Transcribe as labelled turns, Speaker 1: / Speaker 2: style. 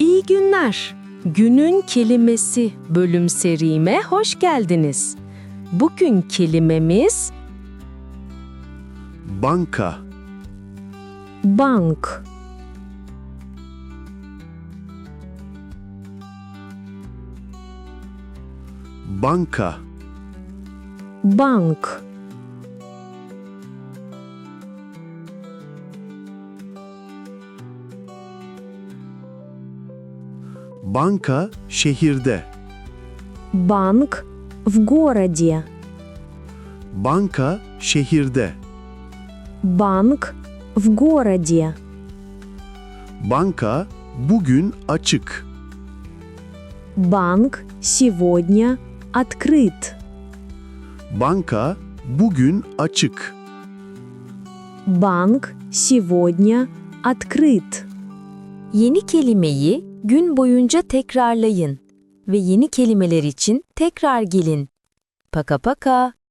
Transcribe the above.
Speaker 1: İyi günler. Günün kelimesi bölüm serime hoş geldiniz. Bugün kelimemiz
Speaker 2: Banka,
Speaker 1: bank.
Speaker 2: banka,
Speaker 1: Bank.
Speaker 2: banka şehirde,
Speaker 1: Банк в городе.
Speaker 2: banka şehirde,
Speaker 1: Банк в городе.
Speaker 2: banka bugün açık,
Speaker 1: Банк сегодня открыт.
Speaker 2: banka bugün açık,
Speaker 1: Банк сегодня открыт.
Speaker 3: Yeni kelimeyi gün boyunca tekrarlayın ve yeni kelimeler için tekrar gelin. Paka paka.